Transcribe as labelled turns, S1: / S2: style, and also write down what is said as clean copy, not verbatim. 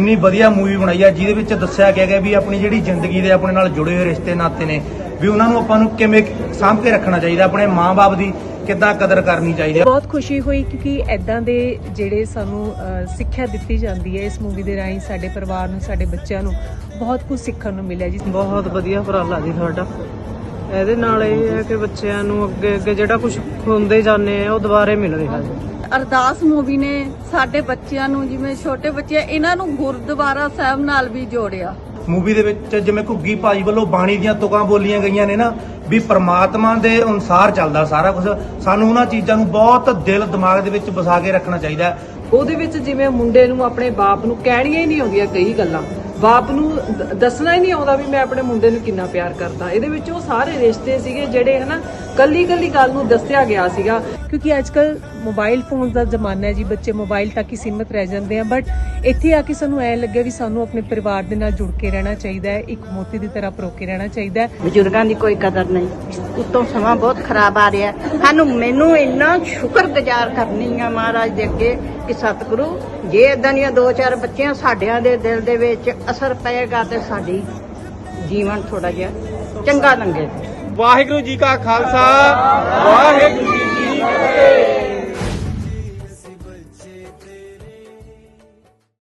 S1: ਇੰਨੀ ਵਧੀਆ ਮੂਵੀ ਬਣਾਈ ਹੈ ਜਿਹਦੇ ਵਿੱਚ ਦੱਸਿਆ ਗਿਆ ਹੈ ਵੀ ਆਪਣੀ ਜਿਹੜੀ ਜ਼ਿੰਦਗੀ ਦੇ ਆਪਣੇ ਨਾਲ ਜੁੜੇ ਹੋਏ ਰਿਸ਼ਤੇ ਨਾਤੇ ਨੇ ਵੀ ਉਹਨਾਂ ਨੂੰ ਆਪਾਂ ਨੂੰ ਕਿਵੇਂ ਸਾਂਭ ਕੇ ਰੱਖਣਾ ਚਾਹੀਦਾ, ਆਪਣੇ ਮਾਂ-ਬਾਪ ਦੀ ਕਿੱਦਾਂ ਕਦਰ ਕਰਨੀ ਚਾਹੀਦੀ ਹੈ।
S2: ਬਹੁਤ ਖੁਸ਼ੀ ਹੋਈ ਕਿਉਂਕਿ ਐਦਾਂ ਦੇ ਜਿਹੜੇ ਸਾਨੂੰ ਸਿੱਖਿਆ ਦਿੱਤੀ ਜਾਂਦੀ ਹੈ ਇਸ ਮੂਵੀ ਦੇ ਰਾਹੀਂ ਸਾਡੇ ਪਰਿਵਾਰ ਨੂੰ, ਸਾਡੇ ਬੱਚਿਆਂ ਨੂੰ ਬਹੁਤ ਕੁਝ ਸਿੱਖਣ ਨੂੰ ਮਿਲਿਆ ਜੀ।
S3: ਬਹੁਤ ਵਧੀਆ ਉਪਰਾਲਾ ਜੀ ਤੁਹਾਡਾ। ਇਹਦੇ ਨਾਲ ਇਹ ਹੈ ਕਿ ਬੱਚਿਆਂ ਨੂੰ ਅੱਗੇ ਜਿਹੜਾ ਕੁਝ ਖੁੰਦੇ ਜਾਂਦੇ ਆ ਉਹ ਦੁਬਾਰੇ ਮਿਲ ਰਿਹਾ ਜੀ।
S4: ਅਰਦਾਸ ਮੂਵੀ ਨੇ ਸਾਡੇ ਬੱਚਿਆਂ ਨੂੰ, ਜਿਵੇਂ ਛੋਟੇ ਬੱਚੇ ਇਹਨਾਂ ਨੂੰ ਗੁਰਦੁਆਰਾ ਸਾਹਿਬ ਨਾਲ ਵੀ ਜੋੜਿਆ।
S1: ਮੂਵੀ ਦੇ ਵਿੱਚ ਜਿਵੇਂ ਘੁੱਗੀ ਭਾਜੀ ਵੱਲੋਂ ਬਾਣੀ ਦੀਆਂ ਤੁਕਾਂ ਬੋਲੀਆਂ ਗਈਆਂ ਨੇ ਨਾ ਵੀ ਪ੍ਰਮਾਤਮਾ ਦੇ ਅਨੁਸਾਰ ਚੱਲਦਾ ਸਾਰਾ ਕੁਝ, ਸਾਨੂੰ ਉਹਨਾਂ ਚੀਜ਼ਾਂ ਨੂੰ ਬਹੁਤ ਦਿਲ ਦਿਮਾਗ ਦੇ ਵਿੱਚ ਵਸਾ ਕੇ ਰੱਖਣਾ ਚਾਹੀਦਾ।
S3: ਉਹਦੇ ਵਿੱਚ ਜਿਵੇਂ ਮੁੰਡੇ ਨੂੰ ਆਪਣੇ ਬਾਪ ਨੂੰ ਕਹਿਣੀਆਂ ਹੀ ਨਹੀਂ ਆਉਂਦੀਆਂ ਕਈ ਗੱਲਾਂ, ਬਾਪ ਨੂੰ ਦੱਸਣਾ ਹੀ ਨਹੀਂ ਆਉਂਦਾ ਵੀ ਮੈਂ ਆਪਣੇ ਮੁੰਡੇ ਨੂੰ ਕਿੰਨਾ ਪਿਆਰ ਕਰਦਾ। ਇਹਦੇ ਵਿੱਚ ਉਹ ਸਾਰੇ ਰਿਸ਼ਤੇ ਸੀਗੇ ਜਿਹੜੇ ਹਨਾ ਕੱਲੀ ਕੱਲੀ ਗੱਲ ਨੂੰ ਦੱਸਿਆ ਗਿਆ ਸੀਗਾ।
S2: ਕਿਉਂਕਿ ਅੱਜਕੱਲ ਮੋਬਾਈਲ ਫੋਨ ਦਾ ਜ਼ਮਾਨਾ ਹੈ ਜੀ, ਬੱਚੇ ਮੋਬਾਈਲ ਤੱਕ ਹੀ ਸੀਮਿਤ ਰਹਿ ਜਾਂਦੇ ਆ, ਬਟ ਇੱਥੇ ਆ ਕੇ ਸਾਨੂੰ ਐਂ ਲੱਗਿਆ ਵੀ ਸਾਨੂੰ ਆਪਣੇ ਪਰਿਵਾਰ ਦੇ ਨਾਲ ਜੁੜ ਕੇ ਰਹਿਣਾ ਚਾਹੀਦਾ ਹੈ, ਇੱਕ ਮੋਤੀ ਦੀ ਤਰ੍ਹਾਂ ਪਰੋ ਕੇ ਰਹਿਣਾ ਚਾਹੀਦਾ ਹੈ।
S5: ਬਜ਼ੁਰਗਾਂ ਦੀ ਕੋਈ ਕਦਰ ਨਹੀਂ, ਉੱਤੋਂ ਸਮਾਂ ਬਹੁਤ ਖਰਾਬ ਆ ਰਿਹਾ। ਮੈਨੂੰ ਇੰਨਾ ਸ਼ੁਕਰਗੁਜ਼ਾਰ ਕਰਨੀ ਆ ਮਹਾਰਾਜ ਦੇ ਅੱਗੇ ਕਿ ਸਤਿਗੁਰੂ ਜੇ ਇਦਾਂ ਦੀਆਂ 2-4 ਬੱਚੀਆਂ ਸਾਡਿਆਂ ਦੇ ਦਿਲ ਦੇ ਵਿੱਚ ਅਸਰ ਪਏਗਾ ਤੇ ਸਾਡੀ ਜੀਵਨ ਥੋੜਾ ਜਿਹਾ ਚੰਗਾ ਲੰਘੇ।
S1: ਵਾਹਿਗੁਰੂ ਜੀ ਕਾ ਖਾਲਸਾ, ਵਾਹਿਗੁਰੂ ਜੀ ਕੀ ਫਤਿਹ।